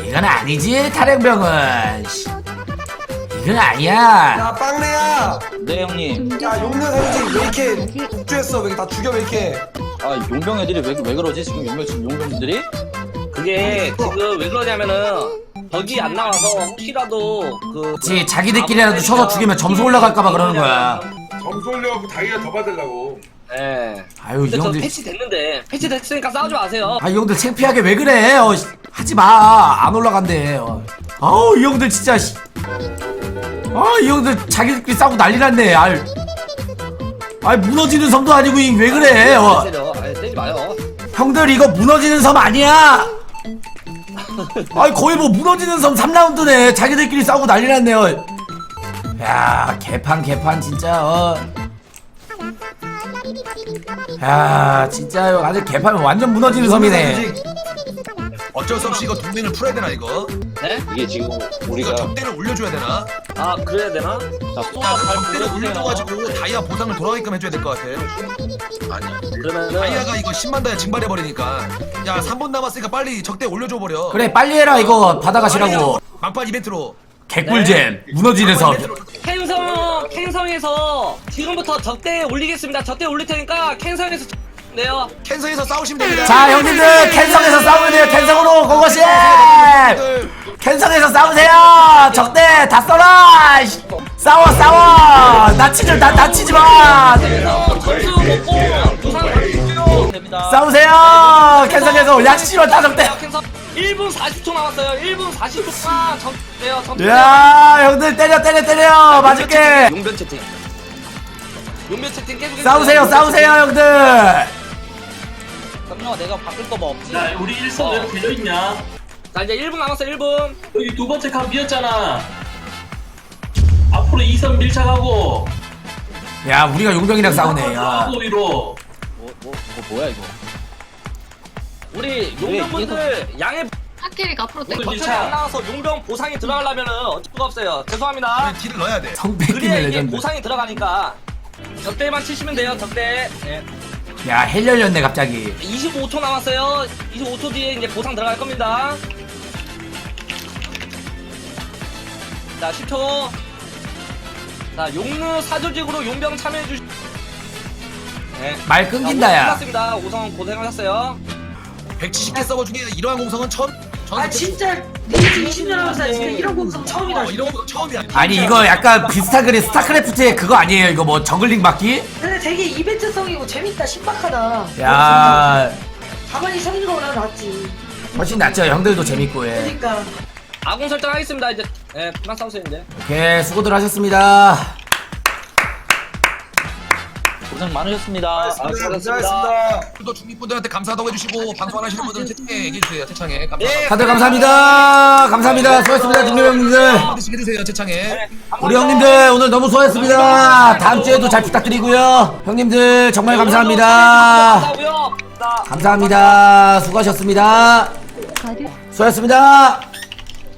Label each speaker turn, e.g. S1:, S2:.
S1: 이건 아니지 탈행병은. 이건 아니야.
S2: 야 빵래야.
S3: 네 형님.
S2: 야 용녀 사람들이 왜 이렇게 폭주했어? 왜 이렇게 다 죽여 왜 이렇게?
S3: 아 용병 애들이 왜 그러지 지금 용병들이?
S4: 그게 지금 왜 그러냐면은 덕이 안 나와서 혹시라도
S1: 그치 자기들끼리라도 쳐서 죽이면 점수 올라갈까봐 그러는 거야.
S5: 점수 올려갖고 다이아 더 받으려고.
S4: 예.
S1: 아유 이
S4: 근데 저
S1: 형들.
S4: 패치 됐는데 패치 됐으니까 싸우지 마세요.
S1: 아 이 형들 창피하게 왜 그래? 하지마 안 올라간대. 아우 이 형들 진짜. 이 형들 자기들끼리 싸우고 난리 났네. 아이 무너지는 섬도 아니고 왜 그래?
S4: 때리지 마요.
S1: 형들 이거 무너지는 섬 아니야. 아이 거의 뭐 무너지는 섬 3라운드네. 자기들끼리 싸우고 난리 났네요. 야 개판 진짜. 야 진짜 아주 개판은 완전 무너지는 섬이네.
S6: 어쩔 수 없이 이거 동맹을 풀어야 되나 이거?
S4: 네?
S3: 이게 지금
S6: 우리가
S3: 우리가
S6: 적대를 올려줘야 되나?
S4: 아 그래야 되나?
S3: 자
S6: 야, 적대를 올려줘가지고 다이아 보상을 돌아가게끔 해줘야 될 것 같아. 아니야.
S4: 그러면은
S6: 다이아가 이거 10만 다이아 증발해버리니까. 야 3분 남았으니까 빨리 적대 올려줘버려.
S1: 그래 빨리 해라 이거 받아가시라고.
S6: 막판 이벤트로.
S1: 개꿀잼 무너지는 섬.
S4: 캔성에서 지금부터 적대 올리겠습니다. 적대 올릴 테니까 캔성에서 네요.
S6: 캔서에서 싸우시면 됩니다.
S1: 자 형님들 캔성에서 싸우면 돼요. 캔성으로 고고씨. 캔성에서 싸우세요. 적대 다 써라. 싸워 다치지 마.
S4: 점수 먹고 부상 주시면 됩니다.
S1: 싸우세요. 캔성에서 야씨발 다 적대.
S4: 캔성 1분 40초 남았어요. 1분 40초간 적대요. 적대.
S1: 야 형들 때려 맞을게.
S4: 용변 채팅. 용변 채팅 계속
S1: 싸우세요 형들.
S3: 깜짝아 내가 바꿀 거 뭐 없지?
S7: 야 우리 1선 왜 되어있냐?
S4: 자 이제 1분 남았어요. 1분.
S7: 여기 두 번째 칸 비었잖아. 앞으로 2선 밀착하고
S1: 야 우리가 용병이랑 싸우네. 야.
S7: 들어가고 위로.
S3: 뭐야 이거?
S4: 우리 용병분들 양해
S8: 학길이가 앞으로
S7: 오늘
S8: 땡겨.
S4: 버튼이 안 나와서 용병 보상이 들어가려면은 어쩔 수가 없어요. 죄송합니다.
S6: 딜을 넣어야 돼.
S1: 성패
S4: 그래야
S1: 끼는
S4: 이게
S1: 레전드.
S4: 보상이 들어가니까 적대만 치시면 돼요. 적대. 예.
S1: 야 헬 열렸네 갑자기.
S4: 25초 남았어요. 25초 뒤에 이제 보상 들어갈 겁니다. 자 10초. 자 용루 사조직으로 용병 참여해 주시. 네.
S1: 말 끊긴다 야.
S4: 끝났습니다. 5성 고생하셨어요.
S6: 170개 서버 중에 이러한 공성은 처음.
S9: 아 진짜 리즈 20년 하면서 진짜 이런 공성 처음이다.
S6: 이런 거 처음이야.
S1: 아니 이거 약간 비슷한 그림 스타크래프트의 그거 아니에요? 이거 뭐 저글링 막기?
S9: 근데 되게 이벤트성이고 재밌다, 신박하다.
S1: 야
S9: 가만히 서 있는 거보다 낫지.
S1: 훨씬 낫죠. 형들도 재밌고 예.
S9: 그러니까.
S4: 아군 설정하겠습니다. 이제 예, 그만 싸우세요 이제.
S1: 오케이 수고들 하셨습니다.
S3: 고생 많으셨습니다.
S6: 수고하셨습니다. 또 중립분들한테 감사하다고 해주시고 방송하시는 분들은 채팅에 얘기해주세요. 채창에 감사합니다.
S1: 다들 감사합니다. 수고했습니다 중립 형님들.
S6: 한마디씩 해주세요. 채창에.
S1: 우리 형님들 오늘 너무 수고했습니다. 다음 주에도 잘 부탁드리고요. 형님들 정말 감사합니다. 감사합니다. 수고하셨습니다. 수고하셨습니다.